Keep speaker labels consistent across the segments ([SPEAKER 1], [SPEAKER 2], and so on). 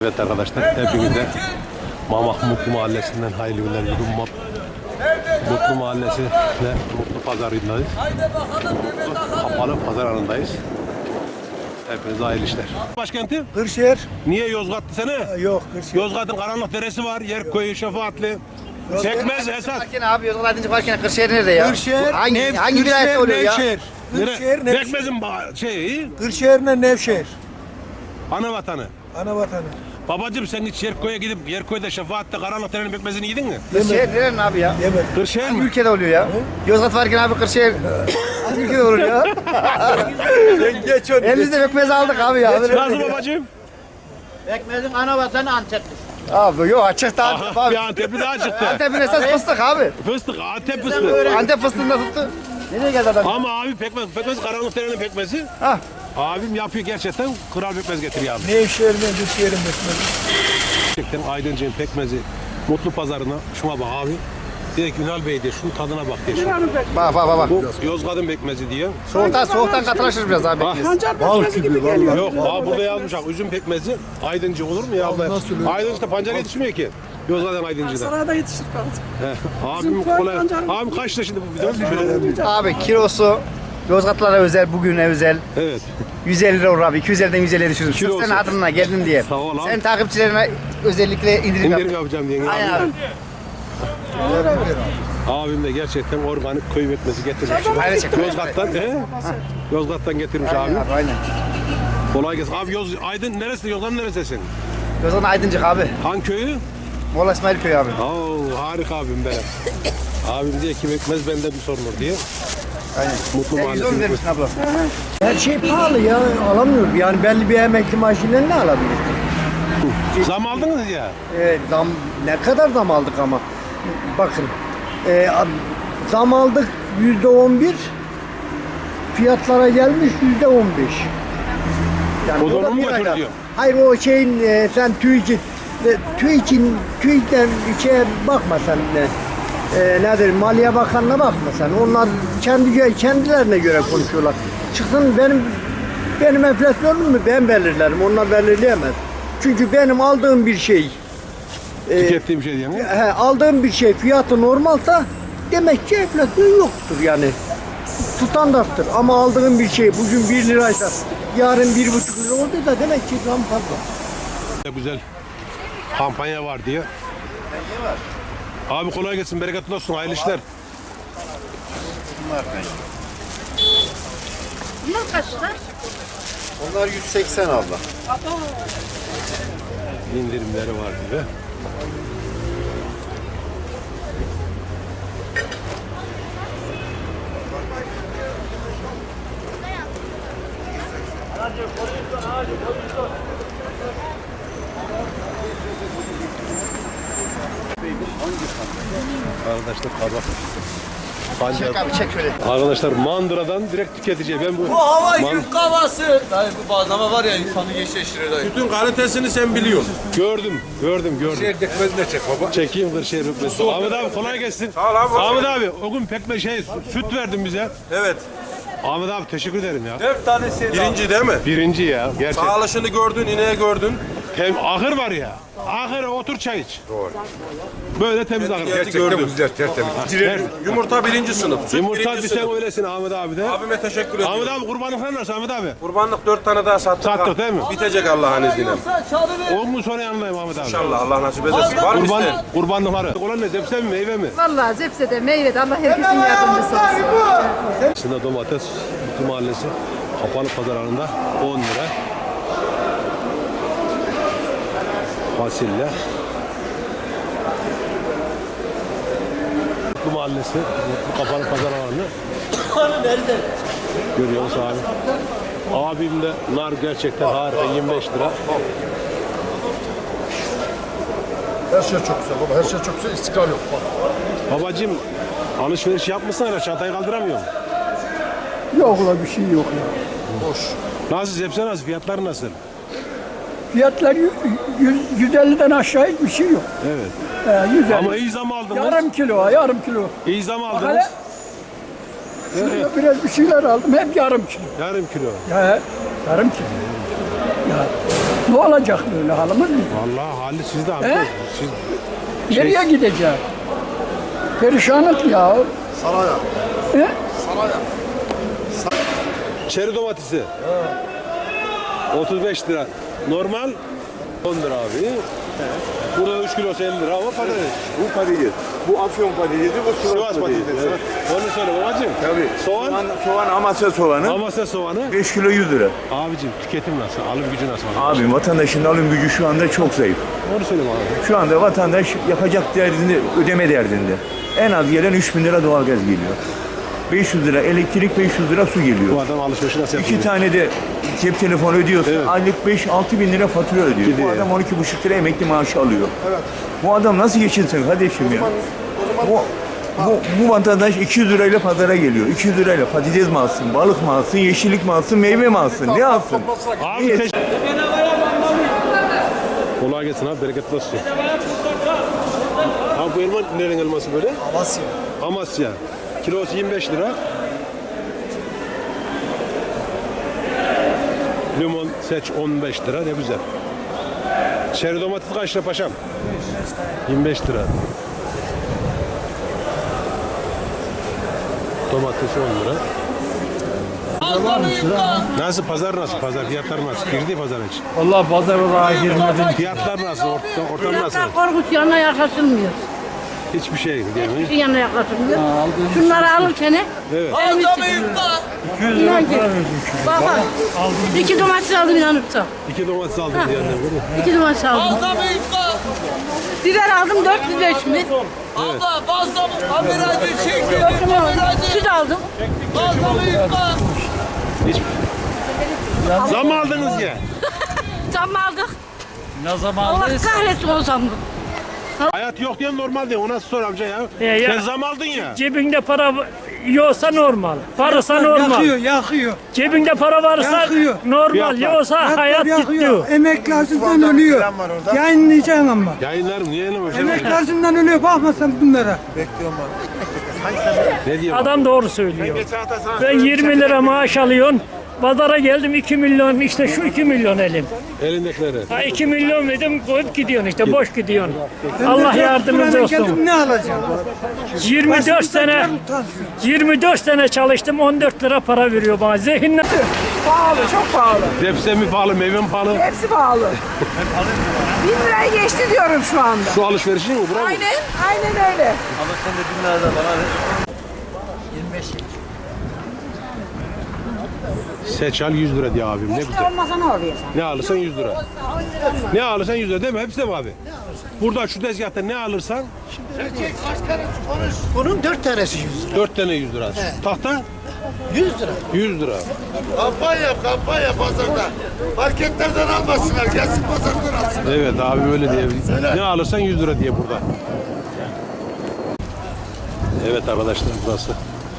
[SPEAKER 1] Evet arkadaşlar, hepinize Mamak Mutlu Mahallesi'nden hayırlı günler diliyorum. Mutlu Mahallesi ve Mutlu Pazarı'ndayız. Kapalı pazar alanındayız. Hepinize hayırlı işler. Başkenti?
[SPEAKER 2] Kırşehir.
[SPEAKER 1] Niye Yozgat'tı sene?
[SPEAKER 2] Yok Kırşehir.
[SPEAKER 1] Yozgat'ın karanlık deresi var, Yerkoyu, Şefaatli. Pekmez, Esat.
[SPEAKER 3] Varken abi Yozgat Aydınca varken Kırşehir nerede ya?
[SPEAKER 2] Kırşehir.
[SPEAKER 3] Hangi vilayette oluyor ya?
[SPEAKER 2] Nevşehir. Kırşehir, Nevşehir.
[SPEAKER 1] Pekmez'in şeyi,
[SPEAKER 2] Kırşehir'le Nevşehir.
[SPEAKER 1] ana vatanı.
[SPEAKER 2] Ana vatanı.
[SPEAKER 1] Babacım sen hiç Yerkoy'a gidip Yerkoy'da Şefaat'te karanlık derenin pekmezini yedin mi?
[SPEAKER 3] Kırşehir nerenin abi ya?
[SPEAKER 2] Yemek.
[SPEAKER 1] Kırşehir
[SPEAKER 3] Hangi
[SPEAKER 1] mi?
[SPEAKER 3] ülkede oluyor ya? Yozgat varken abi Kırşehir hangi ülkede olur ya?
[SPEAKER 2] Geç onu.
[SPEAKER 3] Elimizde pekmez aldık abi ya.
[SPEAKER 1] Nasıl babacım?
[SPEAKER 4] Pekmez'in ana vatanı Antep'tir.
[SPEAKER 3] Abi yok açık da Antep
[SPEAKER 1] Aha,
[SPEAKER 3] abi.
[SPEAKER 1] bir Antep'i daha çıktı.
[SPEAKER 3] Antep'in esas fıstık abi.
[SPEAKER 1] Fıstık, Antep fıstığı.
[SPEAKER 3] Antep fıstığında tuttu. Nereye geldi adam?
[SPEAKER 1] Ama abi pekmez karanlık derenin pekmezi.
[SPEAKER 3] Hah.
[SPEAKER 1] Abim yapıyor gerçekten, kral pekmez getiriyor abi.
[SPEAKER 2] Nevşehir'le Kırşehir'in bekmedi.
[SPEAKER 1] Gerçekten Aydıncı'nın pekmezi Mutlu Pazarı'na şuna bak abi. Direkt Ünal Bey diye şunun tadına bak diye.
[SPEAKER 3] Bak.
[SPEAKER 1] Bu Yozgat'ın pekmezi diye.
[SPEAKER 3] Soğuktan katılaşır biraz abi.
[SPEAKER 1] Bak.
[SPEAKER 2] Bal gibi vallahi.
[SPEAKER 1] Yok abi burada yazmış bak üzüm pekmezi Aydıncı olur mu ya? Aydıncı'da pancar yetişmiyor ki. Yozgat'ın Aydıncı'da.
[SPEAKER 5] Sarayda yetişir kalacak.
[SPEAKER 1] Abim kolay. Abim kaç lira şimdi bu bidon?
[SPEAKER 3] Abi kilosu Yozgatlara özel, bugüne özel.
[SPEAKER 1] Evet.
[SPEAKER 3] 150 lira olur abi. 250'den 150'ye düşürürüm.
[SPEAKER 1] Kilo
[SPEAKER 3] Sırf senin
[SPEAKER 1] olsun.
[SPEAKER 3] adına geldim diye.
[SPEAKER 1] Sağ ol abi.
[SPEAKER 3] Sen takipçilerine özellikle indirim yap.
[SPEAKER 1] İndirim yapacağım diye.
[SPEAKER 3] Aynen abi.
[SPEAKER 1] Abim de gerçekten organik köy pekmezi getirmiş.
[SPEAKER 3] Aynen çek.
[SPEAKER 1] Yozgat'tan, Yozgat'tan getirmiş abi.
[SPEAKER 3] Aynen.
[SPEAKER 1] Kolay gelsin. Abi Aydın neresi? Yozgat'ın neresisin?
[SPEAKER 3] Yozgat Aydıncık abi.
[SPEAKER 1] Hangi köyü?
[SPEAKER 3] Molla İsmail Köyü abi.
[SPEAKER 1] Oo, harika abim benim. Abim diye ki pekmez benden bir sorunur diye.
[SPEAKER 3] Aynen.
[SPEAKER 1] Mutlu
[SPEAKER 3] Sen 110
[SPEAKER 1] Mahallesi'nin
[SPEAKER 3] vermişsin abla.
[SPEAKER 2] Her şey pahalı ya. Alamıyorum. Yani belli bir emekli maaşıyla ne alabilirsin?
[SPEAKER 1] Zam aldınız ya.
[SPEAKER 2] Zam, ne kadar zam aldık ama. Bakın. Zam aldık %11. Fiyatlara gelmiş %15. Yani
[SPEAKER 1] O da
[SPEAKER 2] da
[SPEAKER 1] onu mu
[SPEAKER 2] bir ayda.
[SPEAKER 1] götürüyor?
[SPEAKER 2] Hayır o şeyin sen TÜİK'ten şeye bakma sen. Nedir Maliye Bakanı'na bakma sen. Onlar kendilerine göre konuşuyorlar. Çıksın benim enflasyonumu ben belirlerim. Onlar belirleyemez. Çünkü benim aldığım bir şey
[SPEAKER 1] Tükettiğim şey diye mi?
[SPEAKER 2] aldığım bir şey fiyatı normalsa demek ki enflasyon yoktur yani. Standarttır ama aldığım bir şey bugün 1 liraysa yarın 1,5 lira olduysa demek ki zam fazla.
[SPEAKER 1] Güzel kampanya var diye. Abi kolay gelsin, bereketli olsun, hayırlı işler.
[SPEAKER 5] Bunlar kaç lira?
[SPEAKER 6] Onlar 180 abla.
[SPEAKER 1] İndirimleri var diye. Arkadaşlar kabak.
[SPEAKER 3] Çek abi çek şöyle.
[SPEAKER 1] Arkadaşlar mandıradan direkt tüketiciye. Ben bu
[SPEAKER 4] Hava yük havası. Dayı bu bazlama var ya insanı geçiştirir dayı.
[SPEAKER 6] Bütün kalitesini sen biliyorsun.
[SPEAKER 1] gördüm.
[SPEAKER 6] Pekmezine çek baba.
[SPEAKER 1] Çekeyim Kırşehir pekmezi. Ahmet abi kolay gelsin.
[SPEAKER 6] Sağ ol abi.
[SPEAKER 1] Ahmet abi o gün pekmez süt verdin bize.
[SPEAKER 6] Evet.
[SPEAKER 1] Ahmet abi teşekkür ederim ya.
[SPEAKER 4] 4 tanesi.
[SPEAKER 6] Birinci değil mi?
[SPEAKER 1] Birinci ya gerçekten.
[SPEAKER 6] Sağlaşını gördün, ineği gördün.
[SPEAKER 1] Hem ahır var ya. Ahıra otur çay iç. Doğru. Böyle temiz ahır.
[SPEAKER 6] Gördüm. Güzel, tertemiz. Yumurta birinci sınıf. Süt
[SPEAKER 1] Yumurta
[SPEAKER 6] birinci
[SPEAKER 1] bir sen
[SPEAKER 6] sınıf.
[SPEAKER 1] öylesin Ahmet abi de.
[SPEAKER 6] Abime teşekkür ediyorum.
[SPEAKER 1] Ahmet abi kurbanlıklar nasıl Ahmet abi?
[SPEAKER 6] Kurbanlık 4 tane daha sattık.
[SPEAKER 1] Sattık değil mi?
[SPEAKER 6] Bitecek Allah'ın izniyle.
[SPEAKER 1] 10 gün sonra yanındayım Ahmet abi.
[SPEAKER 6] İnşallah Allah nasip ederse. Var mı isteyen?
[SPEAKER 1] Kurbanlıkları. Olan ne? Zepse mi meyve mi?
[SPEAKER 5] Vallahi zepsede meyvede Allah herkesin yardımcısı olsun.
[SPEAKER 1] Aslında domates Mutlu Mahallesi kapalı pazar alanında 10 lira. Fasulye. Mutlu Mahallesi Mutlu kapalı pazar alanı. Görüyor musun abi? Abim de nar gerçekten harika 25 lira.
[SPEAKER 7] Her şey çok güzel baba, her şey çok güzel, istikrar yok.
[SPEAKER 1] Babacım alışveriş yapmışsın ama çantayı kaldıramıyorum.
[SPEAKER 2] Yok la bir şey yok ya.
[SPEAKER 7] Boş.
[SPEAKER 1] Nasıl zepse nasıl? Fiyatlar nasıl?
[SPEAKER 2] Fiyatlar 150'den aşağı hiçbir şey yok.
[SPEAKER 1] Evet.
[SPEAKER 2] 150.
[SPEAKER 1] Ama iyi zam aldınız.
[SPEAKER 2] Yarım kilo.
[SPEAKER 1] İyi zam aldınız.
[SPEAKER 2] Hele şuraya biraz bir şeyler aldım hep yarım kilo.
[SPEAKER 1] Yarım kilo.
[SPEAKER 2] Ya yarım kilo. Ya
[SPEAKER 8] Ne olacak böyle halimiz mi?
[SPEAKER 1] Vallahi hali sizde abi.
[SPEAKER 8] He?
[SPEAKER 1] Siz
[SPEAKER 8] Nereye gidecek? Perişanlık ya.
[SPEAKER 7] Saraya.
[SPEAKER 8] He?
[SPEAKER 1] çeri domatesi. 35 lira. Normal 10 lira abi. Burada 3 kilosu 50 lira ama patates.
[SPEAKER 9] Bu patates. Bu Afyon patatesi, bu
[SPEAKER 1] Sivas patatesi.
[SPEAKER 9] Evet.
[SPEAKER 1] Onu söyle babacığım.
[SPEAKER 9] Tabii.
[SPEAKER 1] Soğan.
[SPEAKER 9] Soğan Amasya soğanı.
[SPEAKER 1] Amasya soğanı.
[SPEAKER 9] 5 kilo 100 lira.
[SPEAKER 1] Abicim tüketim nasıl? Alım gücü nasıl?
[SPEAKER 9] Abi vatandaşın alım gücü şu anda çok zayıf.
[SPEAKER 1] Onu söyle bana.
[SPEAKER 9] Şu anda vatandaş yapacak derdinde, ödeme derdinde. En az gelen 3.000 lira doğalgaz geliyor. 500 lira elektrik, 500 lira su geliyor.
[SPEAKER 1] Bu adam alışverişi nasıl yapıyor?
[SPEAKER 9] 2 tane de cep telefonu ödüyorsa
[SPEAKER 1] Evet.
[SPEAKER 9] aylık 5-6 bin lira fatura ödüyor.
[SPEAKER 1] Gidiyor.
[SPEAKER 9] Bu adam 12,5 lira emekli maaşı alıyor. Bu adam nasıl geçinsin kardeşim ya? Bu vatandaş 200 lirayla pazara geliyor. 200 lirayla patates mi alsın, balık mı alsın, yeşillik mi alsın, meyve mi alsın? Ne alsın?
[SPEAKER 1] Abi kolay gelsin abi, bereketli olsun. Abi bu elma nerenin elması böyle?
[SPEAKER 2] Amasya.
[SPEAKER 1] Amasya. Kilosu 25 lira. Limon seç 15 lira, ne güzel. Çeri domates kaç lira paşam? 25 lira. Domates 10 lira. Nasıl pazar nasıl? Pazar fiyatlar nasıl? Girdi pazar hiç.
[SPEAKER 8] Vallahi pazar oraya girmedim.
[SPEAKER 1] Fiyatlar nasıl? Ortam nasıl?
[SPEAKER 5] Korkunç yanına yaklaşılmıyor.
[SPEAKER 1] Hiçbir şey değil mi?
[SPEAKER 5] Hiçbir yanına yaklaşılmıyor. Şunları alırken
[SPEAKER 1] Evet.
[SPEAKER 4] Aldamayın da.
[SPEAKER 5] inan ki. Bak bak. 2 domates aldım inanırsan.
[SPEAKER 1] 2 domates aldım diyenler değil mi?
[SPEAKER 5] 2 domates aldım.
[SPEAKER 4] Aldamayın da.
[SPEAKER 5] Biber aldım 405 mi?
[SPEAKER 4] Abla fazla mı? Kameracı çekiyor.
[SPEAKER 5] Süt aldım.
[SPEAKER 4] Aldamayın da.
[SPEAKER 1] Zam aldınız ya.
[SPEAKER 5] Zam aldık.
[SPEAKER 8] Ne zaman
[SPEAKER 5] Allah kahretsin o zamı.
[SPEAKER 1] Hayat yok diye normal değil. O nasıl sor amca ya?
[SPEAKER 8] ya.
[SPEAKER 1] Sen zam aldın ya.
[SPEAKER 8] Cebinde para yoksa normal. Varsa normal.
[SPEAKER 2] Yakıyor.
[SPEAKER 8] Cebinde para varsa
[SPEAKER 2] Yakıyor.
[SPEAKER 8] normal.
[SPEAKER 1] Fiyatlar.
[SPEAKER 8] Yoksa hayat gidiyor.
[SPEAKER 2] Emekli acından ölüyor. Yayınlayacaksın ama.
[SPEAKER 1] Yayınlarım niye yayınlamıyor?
[SPEAKER 2] Emekli acından ölüyor. Bakma sen bunlara.
[SPEAKER 1] Ne diyor?
[SPEAKER 8] Adam doğru söylüyor. Ben 20 lira maaş alıyorum. Pazara geldim 2 milyon, işte şu 2 milyon elim.
[SPEAKER 1] Elindekileri.
[SPEAKER 8] Ha 2 milyon dedim, koyup gidiyorsun işte, boş gidiyorsun. Allah yardımcınız olsun.
[SPEAKER 2] Ne alacağım?
[SPEAKER 8] 24 sene çalıştım, 14 lira para veriyor bana. Zihinle.
[SPEAKER 10] Pahalı, çok pahalı.
[SPEAKER 1] Sebze mi pahalı, meyve mi pahalı?
[SPEAKER 10] Hepsi pahalı. 1000 lirayı geçti diyorum şu anda.
[SPEAKER 1] Şu alışverişin mi? Bravo.
[SPEAKER 10] Aynen öyle.
[SPEAKER 4] Ama sen de 1000 liradan bana ver.
[SPEAKER 1] Seçal 100 lira diye abim, ne güzel.
[SPEAKER 10] Olmasa ne oluyor?
[SPEAKER 1] Ne alırsan 100 lira. Ne alırsan 100 lira değil mi? Hepsi de mi abi? Burada şu tezgahta ne alırsan
[SPEAKER 2] Bunun 4 tanesi 100 lira.
[SPEAKER 1] 4 tane 100 lira. Tahta
[SPEAKER 2] 100 lira.
[SPEAKER 1] 100 lira.
[SPEAKER 7] Kampanya pazarda. Marketlerden almasınlar. Gelsin pazardan alsın.
[SPEAKER 1] Evet abi öyle diye. Ne alırsan 100 lira diye burada. Evet arkadaşlar burası.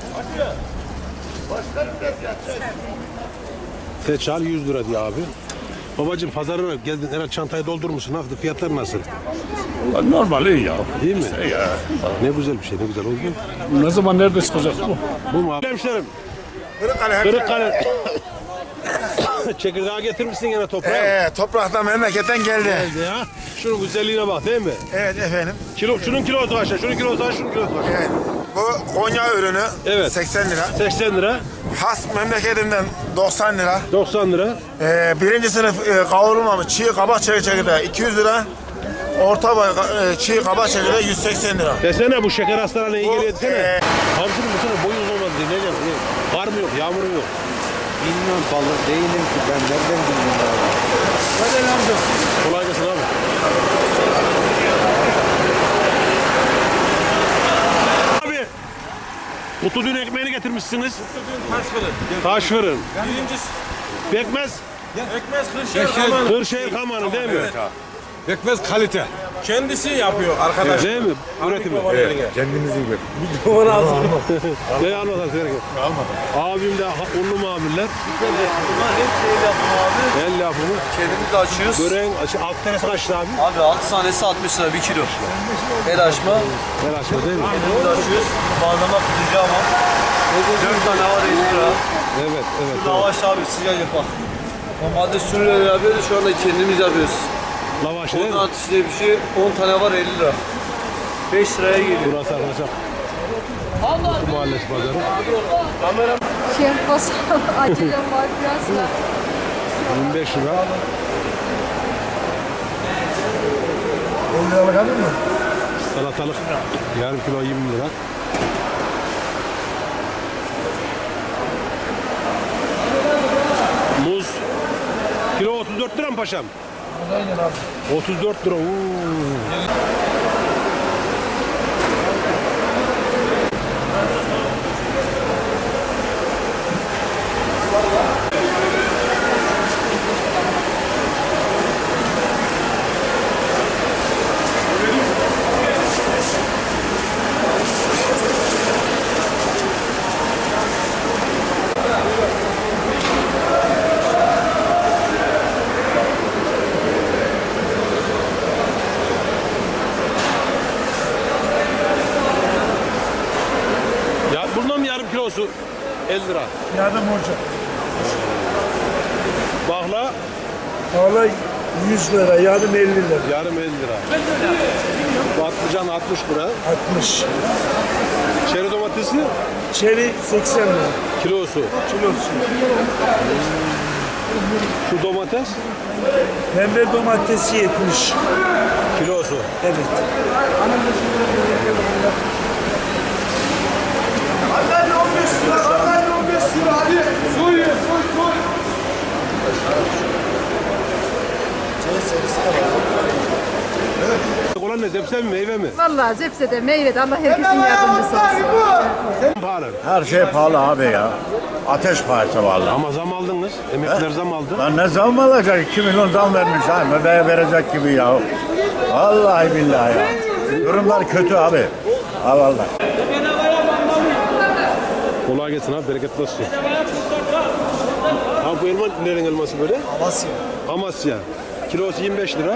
[SPEAKER 1] Seçal 100 lira diyor abi. Babacığım pazarına geldin, herhalde çantayı doldurmuşsun. Nasıl? Fiyatlar nasıl?
[SPEAKER 6] Normal iyi ya.
[SPEAKER 1] Değil mi?
[SPEAKER 6] Ya.
[SPEAKER 1] Ne güzel bir şey, ne güzel oldu.
[SPEAKER 6] Ne zaman nerede çıkacak bu?
[SPEAKER 1] Bu mu abi? Hemşerim. Kırıkkale. Çekirdeği getirmişsin yine toprağa.
[SPEAKER 7] Topraktan memleketten geldi.
[SPEAKER 1] Geldi ya. Şunun güzelliğine bak değil mi?
[SPEAKER 7] Evet efendim.
[SPEAKER 1] Şunun kilosu kaç? Şunun kilosu kaç? Şunun kilosu kaç?
[SPEAKER 7] Evet. Bu Konya ürünü
[SPEAKER 1] Evet.
[SPEAKER 7] 80 lira.
[SPEAKER 1] 80 lira,
[SPEAKER 7] Has memleketimden 90 lira.
[SPEAKER 1] 90 lira.
[SPEAKER 7] Birinci sınıf kavrulmamış çiğ kabak çekirdeği 200 lira. Orta boy çiğ kabak çekirdeği 180 lira.
[SPEAKER 1] Desene bu şeker hastalarına iyi geliyor desene.
[SPEAKER 7] Bu,
[SPEAKER 1] Hamsının bu sene boyu uzun olmadı diye. Ne diyeceğim? Var mı yok? Yağmur mu yok?
[SPEAKER 3] Bilmiyorum balık değilim ki ben nereden bileyim abi.
[SPEAKER 1] Hadi amca. Kolay gelsin abi. Abi. Mutlu dün ekmeğini getirmişsiniz.
[SPEAKER 6] Taş fırın.
[SPEAKER 1] Taş fırın.
[SPEAKER 6] Birincisi.
[SPEAKER 1] Pekmez.
[SPEAKER 6] Ekmez Kırşehir.
[SPEAKER 1] Kırşehir Kamanı değil mi?
[SPEAKER 6] Ekmez kalite. Kendisi yapıyor arkadaş.
[SPEAKER 1] Değil mi? Üretimi.
[SPEAKER 7] kendimizin gibi.
[SPEAKER 1] Ne anlatarız gerek yok. Abim de unlu mamuller.
[SPEAKER 4] Bunlar hep şey yapma abi.
[SPEAKER 1] El yapımı.
[SPEAKER 4] Kendimiz de açıyoruz.
[SPEAKER 1] Böreğin alt tanesi kaçtı abi?
[SPEAKER 4] Abi 6 tanesi 60 lira 1 kilo. El açma.
[SPEAKER 1] El açma değil mi?
[SPEAKER 4] Kendimiz de açıyoruz. Bazlama kutucu ama. 4 tane var 50 lira.
[SPEAKER 1] Evet, evet.
[SPEAKER 4] Lavaş abi sıcak yapar. Normalde sürüyle yapıyoruz, şu anda kendimiz yapıyoruz.
[SPEAKER 1] Lavaş değil mi?
[SPEAKER 4] Ondan atış diye bir şey, 10 tane var 50 lira. 5 liraya geliyor.
[SPEAKER 1] Burası arkadaşlar. Mutlu Mahallesi pazarı.
[SPEAKER 10] Şey bas, acelem var biraz da.
[SPEAKER 1] 25 lira.
[SPEAKER 2] 10 liralık alır mı?
[SPEAKER 1] Salatalık yarım kilo 20 lira. Muz kilo 34 lira mı paşam?
[SPEAKER 2] Aynen abi.
[SPEAKER 1] 34 lira. Ya bundan yarım kilosu 50 lira.
[SPEAKER 2] Yardım olacak.
[SPEAKER 1] Bakla
[SPEAKER 2] Valla 100 lira, yardım 50 lira.
[SPEAKER 1] yarım 50 lira. Patlıcan 60 lira.
[SPEAKER 2] 60.
[SPEAKER 1] Çeri domatesi
[SPEAKER 2] Çeri 80 lira.
[SPEAKER 1] kilosu.
[SPEAKER 2] Kilosu.
[SPEAKER 1] Şu domates
[SPEAKER 2] Pembe domatesi 70.
[SPEAKER 1] kilosu.
[SPEAKER 2] Evet. Hadi 15 lira, hadi 15 lira, hadi. Soy.
[SPEAKER 1] Olan ne? Zepse mi meyve mi?
[SPEAKER 10] Vallahi zepsede, meyvede Allah herkesin yardımcısı olsun.
[SPEAKER 1] Pahalı.
[SPEAKER 7] Her şey pahalı abi ya. Ateş pahası vallahi.
[SPEAKER 1] Ama zam aldınız. Emekliler zam aldı.
[SPEAKER 7] Lan ne zam alacak? 2 milyon zam vermiş ha. Möbeğe verecek gibi ya. Vallahi billahi ya. Durumlar kötü abi. Ha vallahi.
[SPEAKER 1] Kolay gelsin abi. Bereketli olsun. Abi bu elma nerenin elması böyle?
[SPEAKER 2] Amasya.
[SPEAKER 1] Amasya. Kilosu 25 lira.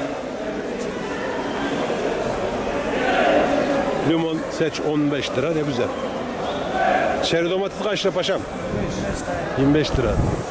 [SPEAKER 1] Limon seç 15 lira. Ne güzel. Çeri domates kaç lira paşam? 25 lira.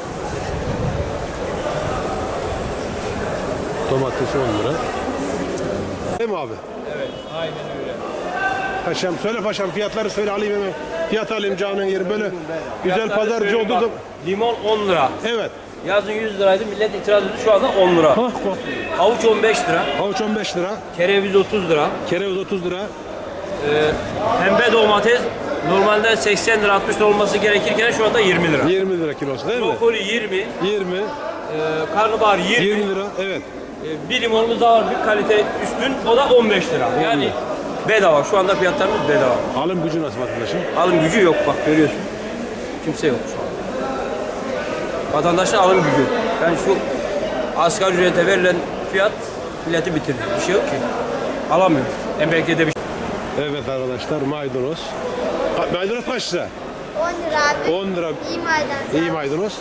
[SPEAKER 1] Domatesi 10 lira. Değil mi abi?
[SPEAKER 4] Evet, aynen öyle.
[SPEAKER 1] Paşam söyle paşam fiyatları söyle alayım hemen. Fiyat alayım canın yeri böyle güzel pazarcı olduğu zaman.
[SPEAKER 4] Limon 10 lira.
[SPEAKER 1] Evet.
[SPEAKER 4] Yazın 100 liraydı, millet itiraz ediyor. Şu anda 10 lira.
[SPEAKER 1] Bak.
[SPEAKER 4] Havuç 15 lira.
[SPEAKER 1] Havuç 15 lira.
[SPEAKER 4] Kereviz 30 lira.
[SPEAKER 1] Kereviz 30 lira.
[SPEAKER 4] Pembe domates normalde 80 lira 60 lira olması gerekirken şu anda 20 lira.
[SPEAKER 1] 20 lira kilosu değil mi?
[SPEAKER 4] Brokoli 20,
[SPEAKER 1] 20.
[SPEAKER 4] karnabahar 20,
[SPEAKER 1] 20 lira. Evet.
[SPEAKER 4] bir limonumuz daha var bir kalite üstün o da 15 lira. Yani bedava şu anda fiyatlarımız bedava.
[SPEAKER 1] Alım gücü nasıl vatandaşın?
[SPEAKER 4] Alım gücü yok bak görüyorsun. Kimse yok şu an. Vatandaşın alım gücü. Yani şu asgari ücrete verilen fiyat milleti bitirdi. Bir şey yok ki. Alamıyor. Emekli de bir şey.
[SPEAKER 1] Evet arkadaşlar maydanoz. Maydanoz kaç lira?
[SPEAKER 11] 10 lira abi.
[SPEAKER 1] 10 lira.
[SPEAKER 11] İyi maydanoz.
[SPEAKER 1] İyi maydanoz.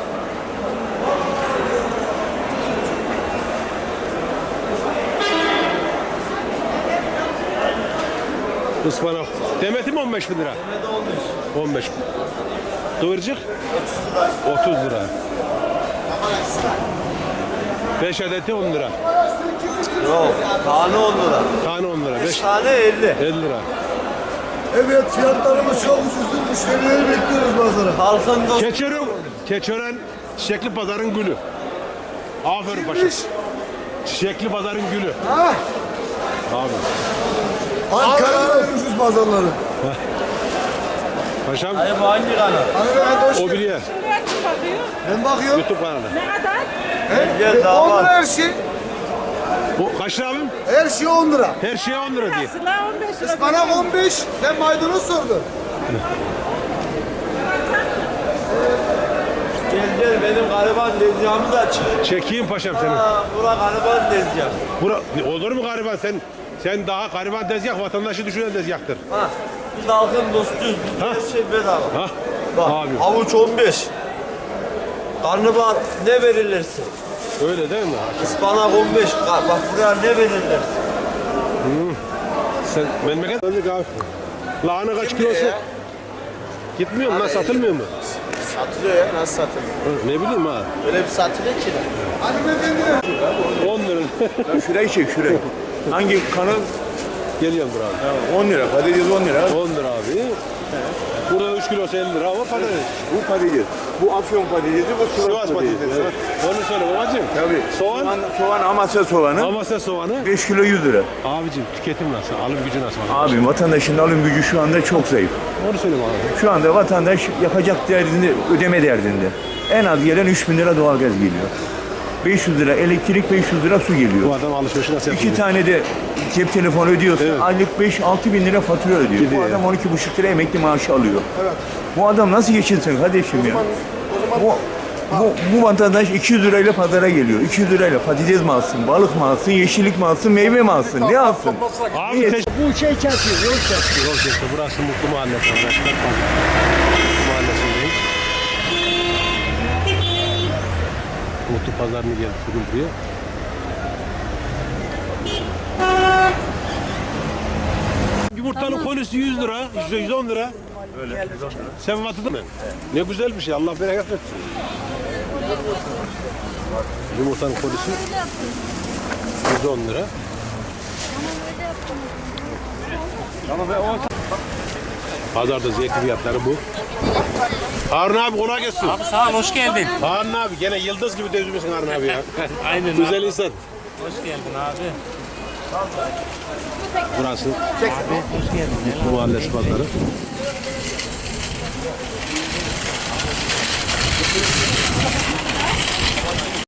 [SPEAKER 1] Ispanak. Demeti mi 15 bin lira? Demeti 15. 15. Kıvırcık? 30 lira. 5 adeti 10 lira.
[SPEAKER 4] Yok. Tane 10 lira.
[SPEAKER 1] Tane 10 lira. 5
[SPEAKER 4] Tane 50.
[SPEAKER 1] 50 lira.
[SPEAKER 2] Evet, fiyatlarımız çok ucuzdur. Müşterileri bekliyoruz pazara.
[SPEAKER 4] Halkın dostu.
[SPEAKER 1] Keçören Çiçekli Pazar'ın gülü. Aferin paşam. Çiçekli Pazar'ın gülü.
[SPEAKER 2] Ha?
[SPEAKER 1] Abi.
[SPEAKER 2] Ankara'nın en ucuz pazarları.
[SPEAKER 1] Paşam
[SPEAKER 4] Hayır bu hangi kanal?
[SPEAKER 1] o bir yer.
[SPEAKER 2] Ben bakıyorum.
[SPEAKER 1] YouTube kanalı.
[SPEAKER 4] Gel
[SPEAKER 2] 10 lira her şey.
[SPEAKER 1] O kaç lira abim?
[SPEAKER 2] Her şey 10 lira.
[SPEAKER 1] Her şeye 10 lira diye.
[SPEAKER 2] Ispanak 15. Sen maydanoz sordun.
[SPEAKER 4] Gel benim gariban tezgahımı da aç.
[SPEAKER 1] Çekeyim paşam seni.
[SPEAKER 4] Bura gariban tezgah.
[SPEAKER 1] Olur mu gariban sen daha gariban tezgah vatandaşı düşünen tezgahtır.
[SPEAKER 4] Ha. Biz halkın dostuyuz.
[SPEAKER 1] Ha.
[SPEAKER 4] Her şey bedava.
[SPEAKER 1] Ha?
[SPEAKER 4] Bak
[SPEAKER 1] Abi.
[SPEAKER 4] havuç 15. Karnabahar ne verirlerse.
[SPEAKER 1] Öyle değil mi?
[SPEAKER 4] Ispanak 15. Bak buraya ne verirlerse.
[SPEAKER 1] Sen memleket öldük abi. Lahana kaç kilosu?
[SPEAKER 4] ya?
[SPEAKER 1] Gitmiyor mu? Lan satılmıyor mu?
[SPEAKER 4] Satılıyor
[SPEAKER 3] satılıyor ya. Nasıl satılıyor?
[SPEAKER 1] Ne bileyim ha.
[SPEAKER 3] Öyle bir satılıyor ki.
[SPEAKER 1] 10 lira.
[SPEAKER 9] Ya şurayı çek şurayı. Hangi kanal?
[SPEAKER 1] Geliyorum dur abi.
[SPEAKER 9] 10 lira. Patates 10 lira.
[SPEAKER 1] 10 lira abi. Burada 3 kilosu 50 lira ama patates.
[SPEAKER 9] Bu patates. Bu Afyon patatesi, bu Sivas patatesi.
[SPEAKER 1] Evet. Onu söyle babacığım.
[SPEAKER 9] Tabii.
[SPEAKER 1] Soğan.
[SPEAKER 9] Soğan Amasya soğanı.
[SPEAKER 1] Amasya soğanı.
[SPEAKER 9] 5 kilo 100 lira.
[SPEAKER 1] Abicim tüketim nasıl? Alım gücü nasıl?
[SPEAKER 9] Abi vatandaşın alım gücü şu anda çok zayıf.
[SPEAKER 1] Onu söyle bana.
[SPEAKER 9] Şu anda vatandaş yapacak derdinde, ödeme derdinde. En az gelen 3.000 lira doğalgaz geliyor. 500 lira elektrik, 500 lira su geliyor.
[SPEAKER 1] Bu adam alışverişi nasıl yapıyor?
[SPEAKER 9] 2 tane de cep telefonu ödüyorsa
[SPEAKER 1] Evet.
[SPEAKER 9] aylık 5-6 bin lira fatura ödüyor.
[SPEAKER 1] Gidiyor
[SPEAKER 9] Bu
[SPEAKER 1] ya.
[SPEAKER 9] adam 12,5 lira emekli maaşı alıyor. Bu adam nasıl geçinsin kardeşim ya? Bu vatandaş 200 lirayla pazara geliyor. 200 lirayla patates mi alsın, balık mı alsın, yeşillik mi alsın, meyve mi alsın, ne alsın?
[SPEAKER 1] Abi
[SPEAKER 2] Bu şey kesiyor, yol kesiyor.
[SPEAKER 1] Yol kesti. Burası Mutlu Mahallesi arkadaşlar. Mutlu Mahallesi'ndeyiz. Mutlu Pazarı'nı geldik bugün buraya. Yumurtanın kolisi 100 lira, 110 lira. Öyle. Sen vatıdın mı? Ne güzel bir şey. Allah bereket versin. Yumurtanın kolisi 110 lira. Pazarda zeytin fiyatları bu. Harun abi kolay gelsin.
[SPEAKER 4] Abi sağ ol, hoş geldin.
[SPEAKER 1] Harun abi gene yıldız gibi devrilmişsin Harun abi ya.
[SPEAKER 4] Aynen
[SPEAKER 1] Güzel insan.
[SPEAKER 4] Hoş geldin abi.
[SPEAKER 1] Burası
[SPEAKER 4] Abi hoş geldin.
[SPEAKER 1] Mutlu Mahallesi pazarı.